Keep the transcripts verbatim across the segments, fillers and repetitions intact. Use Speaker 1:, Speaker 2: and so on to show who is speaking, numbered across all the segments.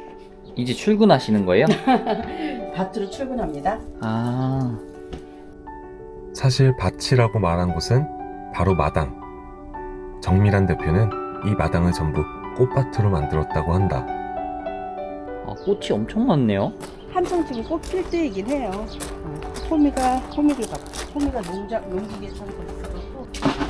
Speaker 1: 이제 출근하시는 거예요?
Speaker 2: 밭으로 출근합니다.
Speaker 1: 아,
Speaker 3: 사실 밭이라고 말한 곳은 바로 마당. 정미란 대표는 이 마당을 전부 꽃밭으로 만들었다고 한다.
Speaker 1: 아 꽃이 엄청 많네요.
Speaker 2: 한창 지금 꽃 필 때이긴 해요. 어, 호미가 호미를 봐. 호미가 농작 농기계 창고 있어갖고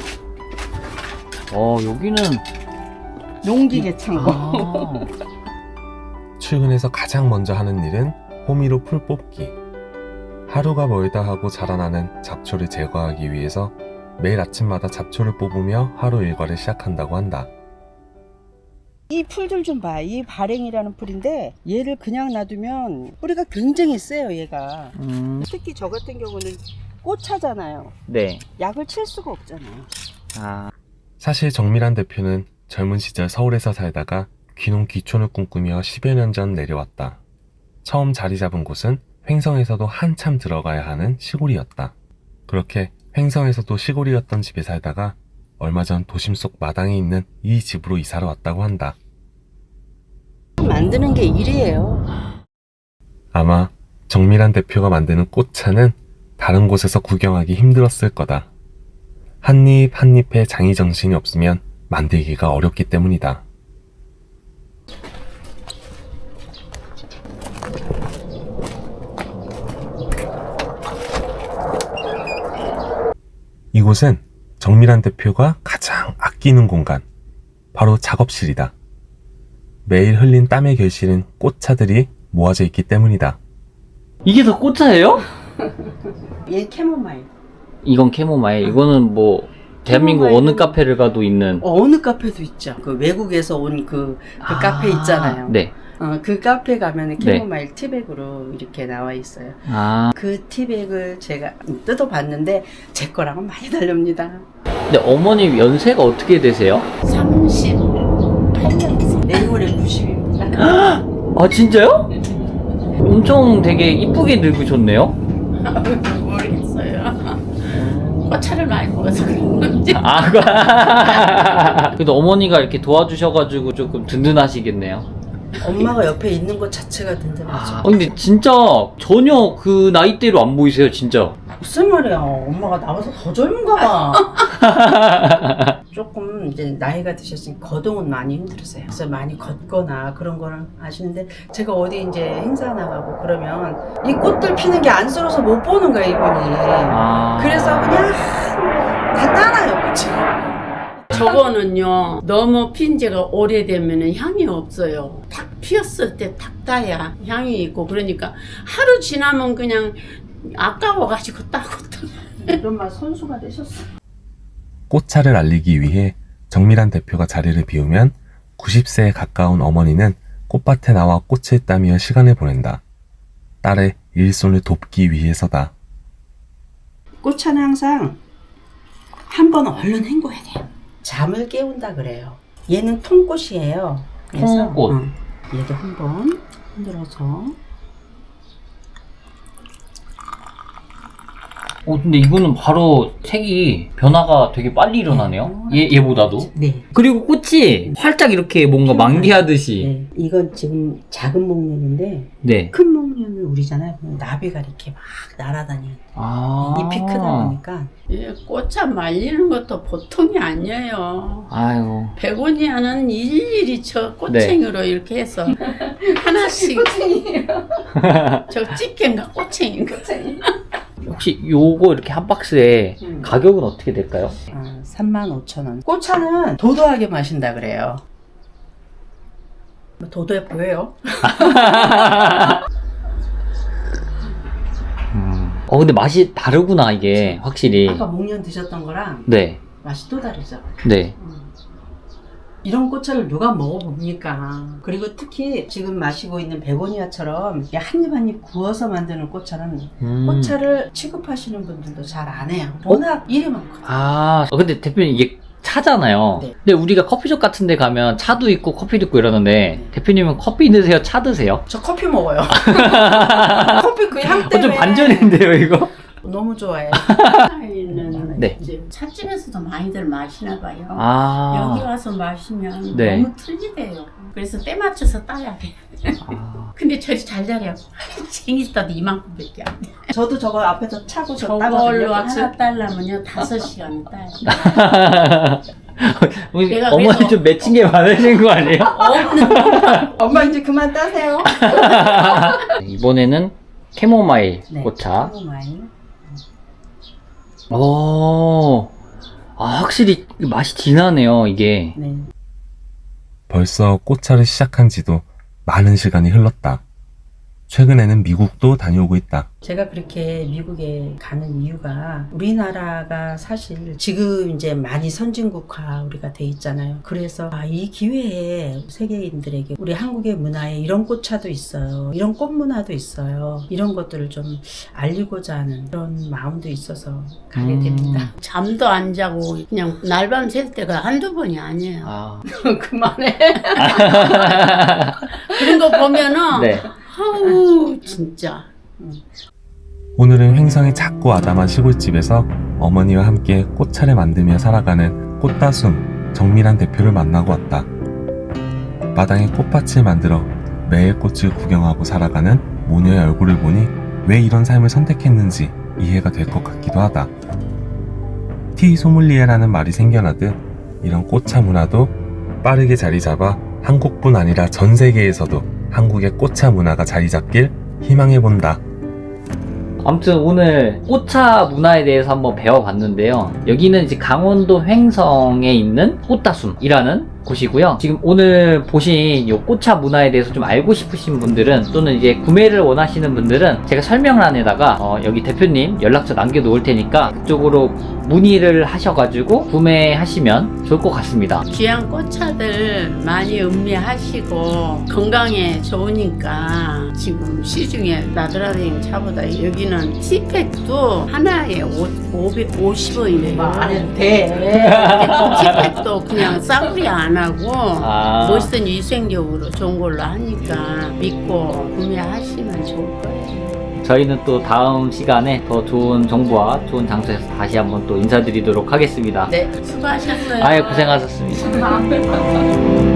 Speaker 1: 어 여기는
Speaker 2: 농기계 창고.
Speaker 1: 아,
Speaker 3: 출근해서 가장 먼저 하는 일은 호미로 풀 뽑기. 하루가 멀다 하고 자라나는 잡초를 제거하기 위해서 매일 아침마다 잡초를 뽑으며 하루 일과를 시작한다고 한다.
Speaker 2: 이 풀들 좀 봐. 이 발행이라는 풀인데 얘를 그냥 놔두면 뿌리가 굉장히 세요. 얘가.
Speaker 1: 음,
Speaker 2: 특히 저 같은 경우는 꽃차잖아요.
Speaker 1: 네.
Speaker 2: 약을 칠 수가 없잖아요.
Speaker 1: 아,
Speaker 3: 사실 정미란 대표는 젊은 시절 서울에서 살다가 귀농 귀촌을 꿈꾸며 십여 년 전 내려왔다. 처음 자리 잡은 곳은 횡성에서도 한참 들어가야 하는 시골이었다. 그렇게 횡성에서도 시골이었던 집에 살다가 얼마 전 도심 속 마당에 있는 이 집으로 이사를 왔다고 한다.
Speaker 2: 만드는 게 일이에요.
Speaker 3: 아마 정미란 대표가 만드는 꽃차는 다른 곳에서 구경하기 힘들었을 거다. 한 입 한 잎에 장이정신이 없으면 만들기가 어렵기 때문이다. 이곳은 정미란 대표가 가장 아끼는 공간, 바로 작업실이다. 매일 흘린 땀의 결실은 꽃차들이 모아져 있기 때문이다.
Speaker 1: 이게 다 꽃차예요?
Speaker 2: 얘 캐모마일.
Speaker 1: 이건 캐모마일. 이거는 뭐 대한민국
Speaker 2: 캐모마일은-
Speaker 1: 어느 카페를 가도 있는.
Speaker 2: 어느 카페도 있죠. 그 외국에서 온 그 그
Speaker 1: 아,
Speaker 2: 카페 있잖아요.
Speaker 1: 네.
Speaker 2: 어, 그 카페 가면은
Speaker 1: 네.
Speaker 2: 캐모마일 티백으로 이렇게 나와 있어요.
Speaker 1: 아,
Speaker 2: 그 티백을 제가 뜯어봤는데 제 거랑은 많이 다릅니다.
Speaker 1: 근데 어머님 연세가 어떻게 되세요?
Speaker 2: 삼십팔 년 내일 모레 구십입니다.
Speaker 1: 아 진짜요? 엄청 되게 이쁘게 늙으셨네요?
Speaker 4: 모르겠어요. 꽃차를 많이 먹어서 그런 건지.
Speaker 1: 아, 그- 그래도 어머니가 이렇게 도와주셔가지고 조금 든든하시겠네요.
Speaker 2: 엄마가 옆에 있는 것 자체가 든든하죠.
Speaker 1: 아, 근데 진짜 전혀 그 나이대로 안 보이세요, 진짜.
Speaker 2: 무슨 말이야. 엄마가 나보다 더 젊은가 봐. 조금 이제 나이가 드셨으니 거동은 많이 힘들으세요. 그래서 많이 걷거나 그런 거는 아시는데 제가 어디 이제 행사 나가고 그러면 이 꽃들 피는 게 안쓰러워서 못 보는 거야, 이분이.
Speaker 1: 아.
Speaker 2: 그래서 그냥 다 따놔요, 꽃을.
Speaker 4: 저거는요, 너무 핀 지가 오래되면 향이 없어요. 탁 피었을 때 탁 따야 향이 있고, 그러니까 하루 지나면 그냥 아까워가지고 따고 또.
Speaker 2: 이런 말 선수가 되셨어.
Speaker 3: 꽃차를 알리기 위해 정미란 대표가 자리를 비우면 구십 세에 가까운 어머니는 꽃밭에 나와 꽃을 따며 시간을 보낸다. 딸의 일손을 돕기 위해서다.
Speaker 2: 꽃차는 항상 한 번 얼른 헹궈야 돼요. 잠을 깨운다 그래요. 얘는 통꽃이에요. 그래서
Speaker 1: 통꽃.
Speaker 2: 어, 얘도 한 번 흔들어서.
Speaker 1: 어, 근데 이거는 바로 색이 변화가 되게 빨리 일어나네요. 얘, 얘보다도.
Speaker 2: 네.
Speaker 1: 그리고 꽃이 활짝 이렇게 뭔가 만개하듯이.
Speaker 2: 네. 이건 지금 작은 목련인데
Speaker 1: 네.
Speaker 2: 큰 목련을 우리잖아요. 그럼 나비가 이렇게 막 날아다녀요.
Speaker 1: 아.
Speaker 2: 잎이 크다 보니까.
Speaker 4: 이 꽃차 말리는 것도 보통이 아니에요.
Speaker 1: 아유.
Speaker 4: 베고니아는 일일이 저 꽃챙이로 이렇게 해서 하나씩. 저 집게인가 꽃챙인가.
Speaker 1: 혹시 요거 이렇게 한 박스에
Speaker 2: 음.
Speaker 1: 가격은 어떻게 될까요?
Speaker 2: 아, 삼만 오천 원. 꽃차는 도도하게 마신다 그래요. 뭐 도도해 보여요?
Speaker 1: 어, 근데 맛이 다르구나, 이게. 확실히.
Speaker 2: 아까 목련 드셨던 거랑
Speaker 1: 네.
Speaker 2: 맛이 또 다르죠.
Speaker 1: 네.
Speaker 2: 이런 꽃차를 누가 먹어봅니까? 그리고 특히 지금 마시고 있는 베고니아처럼 한 입 한 입 구워서 만드는 꽃차는
Speaker 1: 음.
Speaker 2: 꽃차를 취급하시는 분들도 잘 안 해요. 워낙 일이 많거든요.
Speaker 1: 아, 어, 근데 대표님 이게 차잖아요.
Speaker 2: 네.
Speaker 1: 근데 우리가 커피숍 같은 데 가면 차도 있고 커피도 있고 이러는데
Speaker 2: 네.
Speaker 1: 대표님은 커피 드세요? 차 드세요?
Speaker 2: 저 커피 먹어요. 커피 그 향
Speaker 1: 어,
Speaker 2: 때문에.
Speaker 1: 좀 반전인데요, 이거?
Speaker 2: 너무 좋아해요.
Speaker 4: 차이는
Speaker 1: 네.
Speaker 4: 이제 찻집에서도 많이들 마시나 봐요.
Speaker 1: 아.
Speaker 4: 여기 와서 마시면
Speaker 1: 네.
Speaker 4: 너무 틀리대요. 그래서 때 맞춰서 따야 돼.
Speaker 1: 아.
Speaker 4: 근데 저리 잘 자려고 생기다도 이만큼밖에 안 돼.
Speaker 2: 저도 저거 앞에서 차고 저
Speaker 4: 저걸로
Speaker 2: 따거든요.
Speaker 4: 하나 따려면요 다섯 시간 따요.
Speaker 1: 우리
Speaker 4: 내가
Speaker 1: 어머니
Speaker 4: 그래서-
Speaker 1: 좀 맺힌 게 많으신 거 아니에요?
Speaker 4: 없는
Speaker 2: 엄마 이제 그만 따세요.
Speaker 1: 이번에는 캐모마일
Speaker 2: 네.
Speaker 1: 꽃차.
Speaker 2: 캐모마일.
Speaker 1: 오, 아, 확실히 맛이 진하네요, 이게.
Speaker 2: 네.
Speaker 3: 벌써 꽃차를 시작한 지도 많은 시간이 흘렀다. 최근에는 미국도 다녀오고 있다.
Speaker 2: 제가 그렇게 미국에 가는 이유가 우리나라가 사실 지금 이제 많이 선진국화 우리가 돼 있잖아요. 그래서 아, 이 기회에 세계인들에게 우리 한국의 문화에 이런 꽃차도 있어요. 이런 꽃 문화도 있어요. 이런 것들을 좀 알리고자 하는 그런 마음도 있어서 가게
Speaker 1: 음.
Speaker 2: 됩니다.
Speaker 4: 잠도 안 자고 그냥 날밤 샐 때가 한두 번이 아니에요.
Speaker 1: 아,
Speaker 2: 그만해.
Speaker 4: 그런 거 보면은
Speaker 1: 네.
Speaker 4: 아우 진짜.
Speaker 3: 오늘은 횡성의 작고 아담한 시골집에서 어머니와 함께 꽃차를 만들며 살아가는 꽃다숨 정미란 대표를 만나고 왔다. 마당에 꽃밭을 만들어 매일 꽃을 구경하고 살아가는 모녀의 얼굴을 보니 왜 이런 삶을 선택했는지 이해가 될 것 같기도 하다. 티 소믈리에라는 말이 생겨나듯 이런 꽃차 문화도 빠르게 자리 잡아 한국뿐 아니라 전 세계에서도 한국의 꽃차 문화가 자리 잡길 희망해본다.
Speaker 1: 아무튼 오늘 꽃차 문화에 대해서 한번 배워봤는데요. 여기는 이제 강원도 횡성에 있는 꽃다숨이라는 곳이고요. 지금 오늘 보신 이 꽃차 문화에 대해서 좀 알고 싶으신 분들은 또는 이제 구매를 원하시는 분들은 제가 설명란에다가 어, 여기 대표님 연락처 남겨놓을 테니까 그쪽으로 문의를 하셔가지고 구매하시면 좋을 것 같습니다.
Speaker 4: 귀한 꽃차들 많이 음미하시고 건강에 좋으니까 지금 시중에 나들라댕 차보다 여기는 티팩도 하나에 오백오십 원이래요.
Speaker 2: 안 해도 돼.
Speaker 4: 티팩도 그냥 싸구려 안 하고
Speaker 1: 아.
Speaker 4: 멋있는 위생적으로 좋은 걸로 하니까 믿고 구매하시면 좋을 거예요.
Speaker 1: 저희는 또 다음 시간에 더 좋은 정보와 좋은 장소에서 다시 한번 또 인사드리도록 하겠습니다.
Speaker 4: 네, 수고하셨어요.
Speaker 1: 아유, 고생하셨습니다.
Speaker 4: 감사합니다.